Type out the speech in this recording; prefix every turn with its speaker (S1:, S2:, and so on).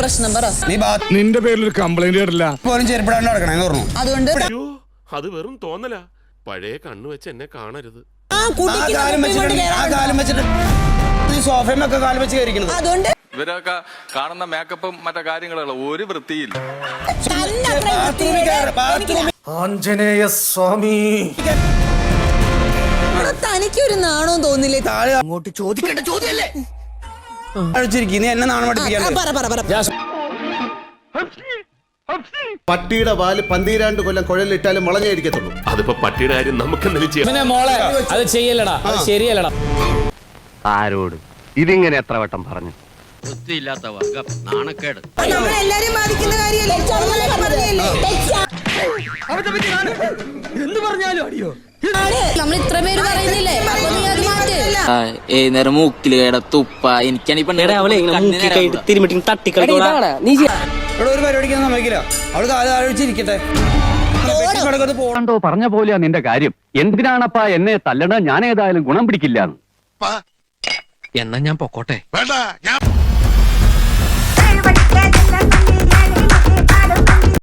S1: പ്രശ്നം പറ.
S2: നിന്റെ പേരിൽ ഒരു കംപ്ലൈന്റ് കേട്ടില്ല.
S1: അതുകൊണ്ട്
S3: അത് വെറും തോന്നല. പഴയ കണ്ണു വെച്ച് എന്നെ കാണരുത്.
S1: അതുകൊണ്ട്
S4: ഇവരൊക്കെ കാണുന്ന മേക്കപ്പും മറ്റു കാര്യങ്ങളുള്ള ഒരു വൃത്തിയില്ല.
S5: ആഞ്ജനേയ സ്വാമി,
S1: തനിക്കൊരു നാണോ തോന്നില്ലേ?
S5: അങ്ങോട്ട് ചോദിക്കേണ്ട ചോദ്യല്ലേ?
S6: എന്നെ നാണം
S7: പട്ടിയുടെ വാല് 12 കൊല്ലം കുഴലിട്ടാലും മുളഞ്ഞേരിക്കത്തുള്ളൂ.
S3: അതിപ്പോ പട്ടിയുടെ കാര്യം നമുക്ക് എന്തെങ്കിലും ചെയ്യാം.
S8: മോളെ അത് ചെയ്യല്ലടാ, അത് ശരിയല്ലടാ.
S9: ആരോട് ഇതിങ്ങനെ എത്ര വട്ടം പറഞ്ഞു?
S8: വൃത്തിയില്ലാത്ത വർഗം, നാണക്കേട്.
S1: നമ്മളെല്ലാരും ബാധിക്കുന്ന കാര്യമല്ലേ?
S5: എന്ത് പറഞ്ഞാലും അടിയോ?
S1: നമ്മൾ ഇത്ര പേര് പറയുന്നില്ലേ?
S10: നേരം മൂക്കില് കേട തുപ്പ എനിക്കാണ്
S6: ഒരു പരിപാടിക്ക് സമ്മതിക്കില്ല. അവള് കാലഴിച്ചിരിക്കട്ടെ.
S9: പറഞ്ഞ പോലെയാ നിന്റെ കാര്യം. എന്തിനാണപ്പാ എന്നെ തല്ലണ? ഞാൻ ഏതായാലും ഗുണം പിടിക്കില്ല.
S8: എന്നാ ഞാൻ പൊക്കോട്ടെ.
S2: വേണ്ട, ഞാൻ